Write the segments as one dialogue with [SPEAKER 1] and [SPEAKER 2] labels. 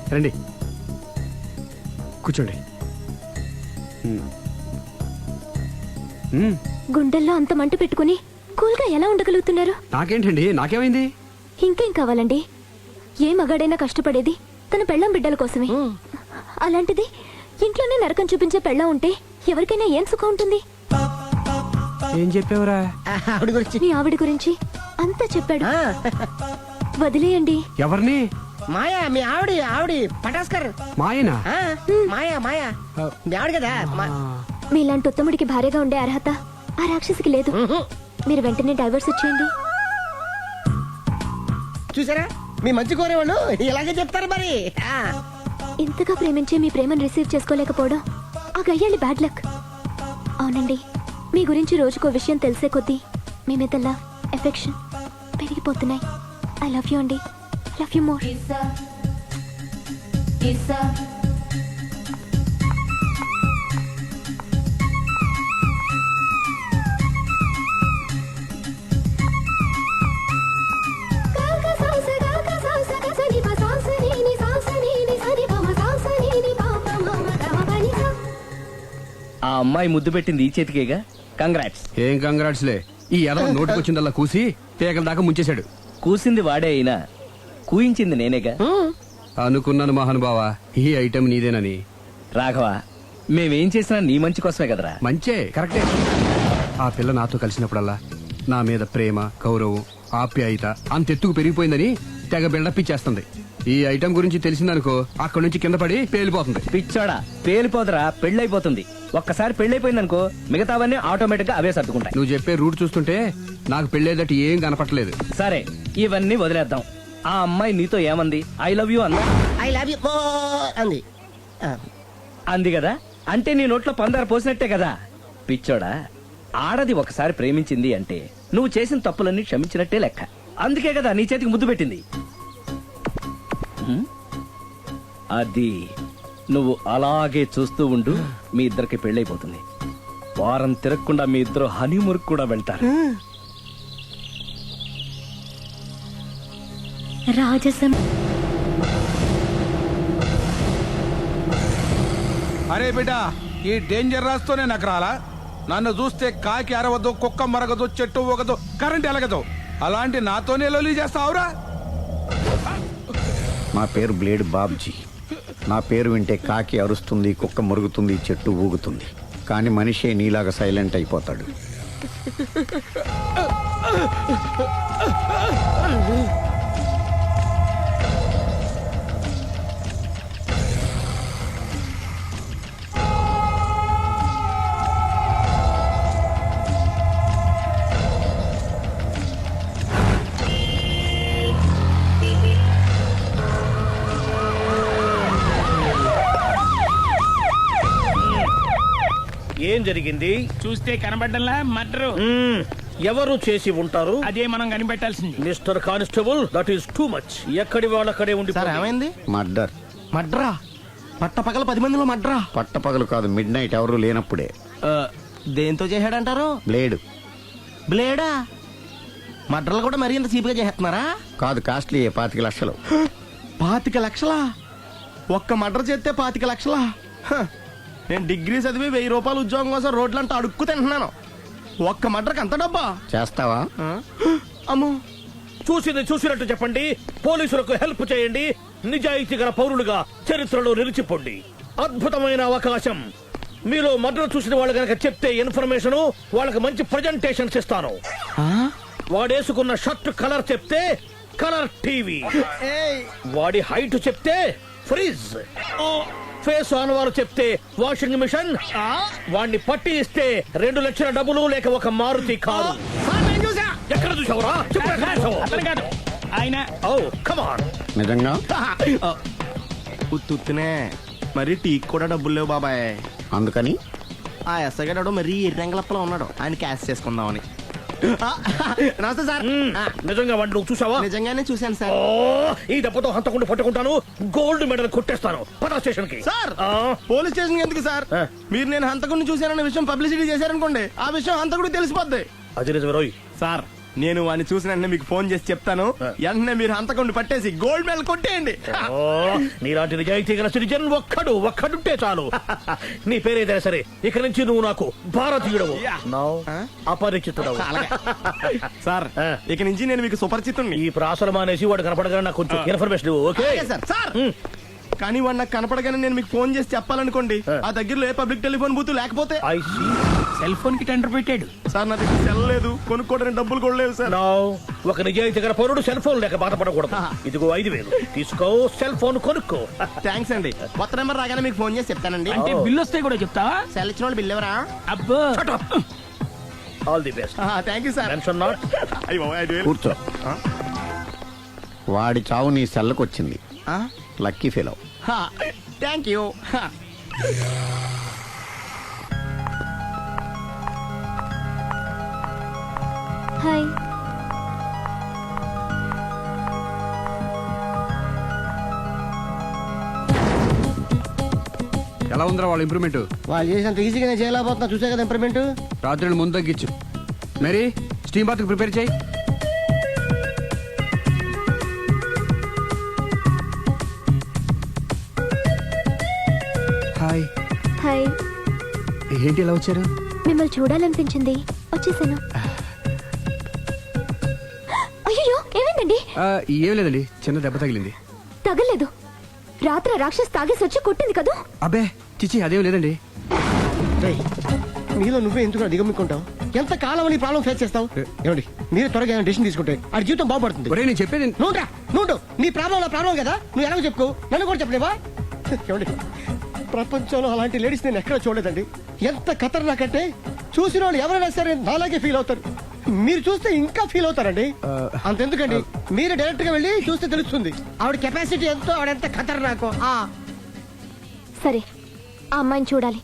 [SPEAKER 1] రండి కూర్చోండి.
[SPEAKER 2] గుండెల్లో అంత మంట పెట్టుకుని కూల్గా ఎలా ఉండగలుగుతున్నారు?
[SPEAKER 1] నాకేంటండి, నాకేమైంది?
[SPEAKER 2] ఇంకేం కావాలండి? ఏ మగాడైనా కష్టపడేది తన పెళ్ళం బిడ్డల కోసమే. అలాంటిది ఇంట్లోనే నరకం చూపించే పెళ్ళం ఉంటే ఎవరికైనా ఏం సుఖం ఉంటుంది?
[SPEAKER 1] ఏం చెప్పావురా?
[SPEAKER 2] మీ ఆవిడ గురించి అంతా చెప్పాడు. వదిలేయండి.
[SPEAKER 1] ఎవరిని?
[SPEAKER 3] మాయా, మీ ఆవిడ పటాస్కర్.
[SPEAKER 1] మాయనా?
[SPEAKER 3] మాయా మీ ఆవిడ కదా.
[SPEAKER 2] మీలాంటి ఉత్తముడికి భార్యగా ఉండే అర్హత ఆ రాక్షసికి లేదు. మీరు వెంటనే డైవర్స్ ఇచ్చేయండి.
[SPEAKER 3] చూసారా, మీ మంచి కోరేవాళ్ళు ఇలాగే చెప్తారు మరి.
[SPEAKER 2] ఇంతగా ప్రేమించే మీ ప్రేమను రిసీవ్ చేసుకోలేకపోవడం ఆ గయ్యాలి బ్యాడ్ లక్. అవునండి, మీ గురించి రోజుకో విషయం తెలిసే కొద్దీ మీ మీద లవ్, ఎఫెక్షన్ పెరిగిపోతున్నాయి. ఐ లవ్ యూ అండి. Love you more.
[SPEAKER 4] ఆ అమ్మాయి ముద్దు పెట్టింది ఈ చేతికేగా. కంగ్రాట్స్.
[SPEAKER 1] ఏం కంగ్రాట్స్ లే, ఈ ఎదవ నోటికొచ్చిందల్లా కూసి పేకల దాకా ముంచేశాడు.
[SPEAKER 4] కూసింది వాడే అయినా కూయించింది నేనేగా.
[SPEAKER 1] అనుకున్నాను మహానుభావ, ఈ ఐటెం నీదేనని.
[SPEAKER 4] రాఘవ, మేమేం చేసినా నీ మంచి కోసమే కదరా.
[SPEAKER 1] మంచే, కరెక్టే. ఆ పిల్ల నాతో కలిసినప్పుడల్లా నా మీద ప్రేమ, గౌరవం, ఆప్యాయత అంతెత్తుకు పెరిగిపోయిందని తెగ బిల్డప్ ఇచ్చేస్తుంది. ఈ ఐటెం గురించి తెలిసిందనుకో, అక్కడి నుంచి కింద పడి పేలిపోతుంది.
[SPEAKER 4] పిచ్చోడా, పేలిపోదరా, పెళ్ళైపోతుంది. ఒక్కసారి పెళ్ళైపోయిందనుకో మిగతావన్నీ ఆటోమేటిక్ గా అవే సర్దుకుంటాయి.
[SPEAKER 1] నువ్వు చెప్పే రూట్ చూస్తుంటే నాకు పెళ్ళేదట ఏం కనపట్లేదు.
[SPEAKER 4] సరే, ఇవన్నీ వదిలేద్దాం. ఆ అమ్మాయి నీతో ఏమంది? ఐ లవ్ యూ అందా?
[SPEAKER 3] ఐ లవ్ యూ అంది.
[SPEAKER 4] అంది కదా, అంటే నీ నోట్లో పందారు పోసినట్టే కదా. పిచ్చోడా, ఆడది ఒకసారి ప్రేమించింది అంటే నువ్వు చేసిన తప్పులన్నీ క్షమించినట్టే లెక్క. అందుకే కదా నీ చేతికి ముద్దు పెట్టింది. అది నువ్వు అలాగే చూస్తూ ఉండు, మీ ఇద్దరికి పెళ్ళైపోతుంది. వారం తిరగకుండా మీ ఇద్దరు హనీమూర్ కూడా వెళ్తారు.
[SPEAKER 2] రాజసం.
[SPEAKER 5] అరే బిడ్డ, ఈ డేంజర్ రాస్తూనే నాకు రాలా. నన్ను చూస్తే కాకి అరవదు, కుక్క మరగదు, చెట్టు ఊగదు, కరెంట్ ఎలగదు. అలాంటి నాతోనే లొలి చేస్తావురా?
[SPEAKER 6] నా పేరు బ్లేడ్ బాబ్జీ. నా పేరు వింటే కాకి అరుస్తుంది, కుక్క మురుగుతుంది, చెట్టు ఊగుతుంది. కానీ మనిషే నీలాగా సైలెంట్ అయిపోతాడు.
[SPEAKER 7] ఏం జరిగింది?
[SPEAKER 8] చూస్తే కనబడ్డంలా మర్డరు.
[SPEAKER 7] ఎవరు చేసి ఉంటారు?
[SPEAKER 8] అదే మనం కనిపెట్టాల్సింది.
[SPEAKER 7] Mister constable, that is too much. ఎక్కడి వాళ్ళక్కడే ఉండి.
[SPEAKER 3] ఏమైంది?
[SPEAKER 6] మర్డర్.
[SPEAKER 3] మడ్రా? పట్ట పగల 10 మందిలో మడ్రా?
[SPEAKER 6] పట్టపగలు కాదు, మిడ్ నైట్ ఎవరు లేనప్పుడే.
[SPEAKER 3] దేంతో చేశాడంటారు?
[SPEAKER 6] బ్లేడ్.
[SPEAKER 3] బ్లేడా? మడ్రలు కూడా మరీ ఇంత చీప్గా చేస్తున్నారా?
[SPEAKER 6] కాదు, కాస్ట్లీ 25 లక్షలు.
[SPEAKER 3] 25 లక్షలా? ఒక్క మడ్ర చేస్తే 25 లక్షలా? నేను డిగ్రీ చదివి 1000 రూపాయలు ఉద్యోగం కోసం రోడ్లంతా అడుక్కు తింటున్నాను. ఒక్క మడ్రకి అంత డబ్బా?
[SPEAKER 6] చేస్తావా?
[SPEAKER 3] అమ్మో.
[SPEAKER 7] చూసింది చూసినట్టు చెప్పండి. పోలీసులకు హెల్ప్ చేయండి. నిజాయితీ గల పౌరులుగా చరిత్రలో నిలిచిపోండి. అద్భుతమైన అవకాశం. మీలో మర్డర్ చూసిన వాళ్ళు గనక చెప్తే ఇన్ఫర్మేషన్, వాళ్ళకి మంచి ప్రజెంటేషన్స్ ఇస్తాను. వాడేసుకున్న షర్ట్ కలర్ చెప్తే కలర్ టీవీ, వాడి హైట్ చెప్తే ఫ్రిజ్, ఫేస్ ఆన్ వారు చెప్తే వాషింగ్ మిషన్, వాడిని పట్టి ఇస్తే 2 లక్షల డబ్బులు లేక ఒక మారుతి కారు. ఎక్కడ చూసావురా?
[SPEAKER 8] ఆయన
[SPEAKER 6] నిజంగా
[SPEAKER 3] ఉత్తునే మరి టీకి కూడా డబ్బులు లేవు బాబాయ్.
[SPEAKER 6] అందుకని
[SPEAKER 3] ఆ ఎస్ఐ గారు మరీ ఎర్రంగలప్పలో ఉన్నాడు, ఆయన క్యాష్ చేసుకుందామని. నమస్తే సార్.
[SPEAKER 7] నిజంగా వాడిని నువ్వు చూసావా?
[SPEAKER 3] నిజంగానే చూశాను సార్.
[SPEAKER 7] ఈ దెబ్బతో హంతకుండా పట్టుకుంటాను, గోల్డ్ మెడల్ కొట్టేస్తాను. పద స్టేషన్ కి.
[SPEAKER 3] సార్, పోలీస్ స్టేషన్ ఎందుకు సార్? మీరు నేను హంతకుడిని చూశానన్న విషయం పబ్లిసిటీ చేశారనుకోండి, ఆ విషయం హంతకుడికి తెలిసిపోద్ది.
[SPEAKER 7] అది నిజమే రోయ్.
[SPEAKER 3] సార్, నేను వాడిని చూసిన వెంటనే మీకు ఫోన్ చేసి చెప్తాను. వెంటనే మీరు హంతకుండా పట్టేసి గోల్డ్ మెడల్ కొట్టేయండి.
[SPEAKER 7] ఓ, నీలాంటి నిజాయితీ గల సిటిజన్ ఒక్కడుంటే చాలు. నీ పేరేదైనా సరే ఇక నుంచి నువ్వు నాకు భారతీయుడవు, అపరిచితుడవు.
[SPEAKER 3] సార్ ఇక నుంచి నేను మీకు సుపరిచితుణ్ణి.
[SPEAKER 7] ఈ ప్రాసలు మానేసి వాడు కనపడగానే నాకు కొంచెం ఇన్ఫర్మేషన్ ఇవ్వు, ఓకే?
[SPEAKER 3] అలాగే సార్. సార్ కానీ వాడు నాకు కనపడగానే నేను మీకు ఫోన్ చేసి చెప్పాలనుకోండి, ఆ దగ్గరలో ఏ పబ్లిక్ టెలిఫోన్ బూత్ లేకపోతే.
[SPEAKER 7] I see.
[SPEAKER 8] సెల్ ఫోన్ కి టెండర్ పెట్టాడు.
[SPEAKER 3] సార్ నా దగ్గర సెల్ లేదు, కొనుక్కోవడానికి డబ్బులు కూడా లేవు సార్.
[SPEAKER 7] Now, ఒక నిజాయితీ గల పౌరుడు సెల్ ఫోన్ లేక బాధపడకూడదు. ఇదిగో 5,000 తీసుకో, సెల్ ఫోన్ కొనుక్కో.
[SPEAKER 3] థ్యాంక్స్ అండి. కొత్త నెంబర్ రాగానే మీకు ఫోన్ చేసి చెప్తానండి.
[SPEAKER 8] అంటే బిల్ వస్తే కూడా చెప్తావా?
[SPEAKER 3] సెల్ ఇచ్చిన వాళ్ళు బిల్ ఎవరా?
[SPEAKER 8] అబ్బో
[SPEAKER 7] all the best.
[SPEAKER 3] Thank you sir.
[SPEAKER 7] Mention not.
[SPEAKER 3] అయ్యో 5,000.
[SPEAKER 6] కూర్చో. వాడి చావు నీ సెల్లకొచ్చింది. Lucky fellow.
[SPEAKER 3] Thank you.
[SPEAKER 2] Hi.
[SPEAKER 1] ఎలా ఉందిరా వాళ్ళ ఇంప్రూవ్మెంట్?
[SPEAKER 3] వాళ్ళు చేసినంత ఈజీగానే చేయలేకపోతున్నా, చూసే కదా ఇంప్రూవ్మెంట్.
[SPEAKER 1] రాత్రి ముందు తగ్గించు. మరి స్టీమ్ బాత్ ప్రిపేర్ చేయి. హాయ్.
[SPEAKER 2] హాయ్.
[SPEAKER 1] ఏంటి ఎలా వచ్చారు?
[SPEAKER 2] మిమ్మల్ని చూడాలనిపించింది, వచ్చేసాను. అయ్యో, ఏమైందండి?
[SPEAKER 1] ఏం లేదండి, చిన్న దెబ్బ తగిలింది.
[SPEAKER 2] తగలేదు. రాత్రి రాక్షస్ తాగేసి వచ్చి కొట్టింది కదా.
[SPEAKER 1] అబ్బే చిచి, అదేం లేదండి.
[SPEAKER 3] నీలో నువ్వే ఎందుకు దిగమ్ముకుంటావు? ఎంత కాలం నీ ప్రాబ్లం ఫేస్ చేస్తావు? ఏమండి మీరు త్వరగా డెసిషన్ తీసుకుంటే ఆ జీవితం బాగుపడుతుంది.
[SPEAKER 1] ఒరే నేను చెప్పేది
[SPEAKER 3] నువ్వు నీ ప్రాబ్లం నా ప్రాబ్లం కదా, నువ్వు ఎలాగో చెప్పుకో, నన్ను కూడా చెప్పలేవా? ఏమండి ప్రపంచంలో అలాంటి లేడీస్ నేను ఎక్కడ చూడలేదండి. ఎంత ఖతర్నాకంటే చూసిన వాళ్ళు ఎవరైనా సరే నాలాగే ఫీల్ అవుతారు. మీరు చూస్తే ఇంకా ఫీల్ అవుతారండి. అంతెందుకండి, మీరు డైరెక్ట్ గా వెళ్ళి చూస్తే తెలుస్తుంది ఆవిడ కెపాసిటీ ఎంతో, ఆవిడెంత ఖతర్నాకో.
[SPEAKER 2] సరే, ఆ అమ్మాయిని చూడాలి.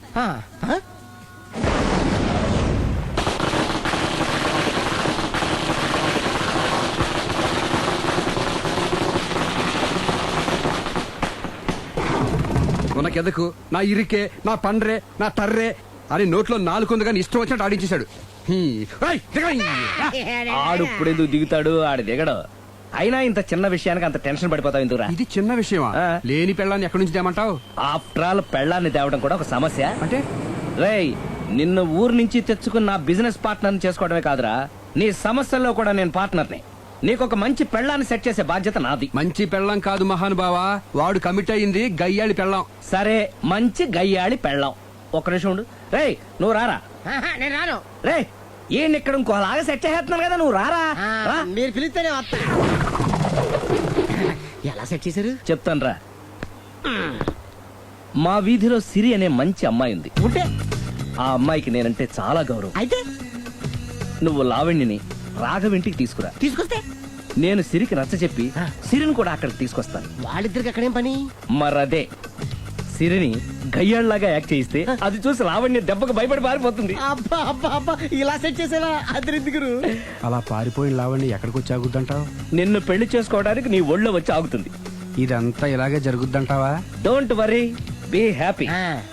[SPEAKER 1] ఉనకెదకు నా ఇరికే, నా పండ్రే, నా తర్రే అని నోట్లో నాలుగుంది కానీ ఇష్టం వచ్చినట్టు ఆడించేశాడు.
[SPEAKER 4] ఆడు ఇప్పుడు ఎందుకు దిగుతాడు? ఆడు దిగడు. అయినా ఇంత చిన్న విషయానికి అంత టెన్షన్ పడిపోతావు ఎందుకురా?
[SPEAKER 1] ఇది చిన్న విషయమా? లేని పెళ్ళాన్ని ఎక్కడి నుంచి తేమంటావు?
[SPEAKER 4] ఆఫ్టర్ ఆల్ పెళ్ళాన్ని తేవడం కూడా ఒక సమస్య
[SPEAKER 1] అంటే?
[SPEAKER 4] రేయ్, నిన్ను ఊరు నుంచి తెచ్చుకున్న నా బిజినెస్ పార్ట్నర్ చేసుకోవడమే కాదురా, నీ సమస్యల్లో కూడా నేను పార్ట్నర్ని. నీకు ఒక మంచి పెళ్ళాన్ని సెట్ చేసే బాధ్యత నాది.
[SPEAKER 1] మంచి పెళ్ళం కాదు మహానుభావా, వాడు కమిట్ అయింది గయ్యాళి పెళ్ళం.
[SPEAKER 4] సరే, మంచి గయ్యాళి పెళ్ళాం. ఒక్క నిమిషం ఉండు. రేయ్, నువ్వు రారా.
[SPEAKER 3] నేను రాను.
[SPEAKER 4] రే, ఈయన ఇక్కడ ఇంకోలాగా సెట్ చేస్తున్నాను కదా, నువ్వు రారా. రా.
[SPEAKER 3] మీరు పిలిస్తేనే వస్తా. ఎలా సెట్ చేశారు
[SPEAKER 4] చెప్తాను రా. మా వీధిలో సిరి అనే మంచి అమ్మాయి ఉంది.
[SPEAKER 3] ఉంటే
[SPEAKER 4] ఆ అమ్మాయికి నేనంటే చాలా గౌరవం.
[SPEAKER 3] అయితే
[SPEAKER 4] నువ్వు లావణ్యని రాఘవింటికి తీసుకురా.
[SPEAKER 3] తీసుకొస్తే
[SPEAKER 4] నేను సిరికి నచ్చ చెప్పి సిరిని కూడా అక్కడికి తీసుకొస్తాను.
[SPEAKER 3] వాళ్ళిద్దరికి అక్కడేం పని?
[SPEAKER 4] మరదే, సిరిని గయ్యాళ్లాగా యాక్ట్ చేయిస్తే అది చూసి లావణ్య దెబ్బకు భయపడి పారిపోతుంది.
[SPEAKER 3] అబ్బా అబ్బా అబ్బా, ఇలా సెట్ చేసేవా? అద్దరిద్దరు
[SPEAKER 1] అలా పారిపోయిన లావండి ఎక్కడికి వచ్చి ఆగుద్దంటావు?
[SPEAKER 4] నిన్ను పెళ్లి చేసుకోవడానికి నీ ఒళ్ళో వచ్చి ఆగుతుంది.
[SPEAKER 1] ఇదంతా ఇలాగే జరుగుద్దంటావా?
[SPEAKER 4] Don't worry, be happy.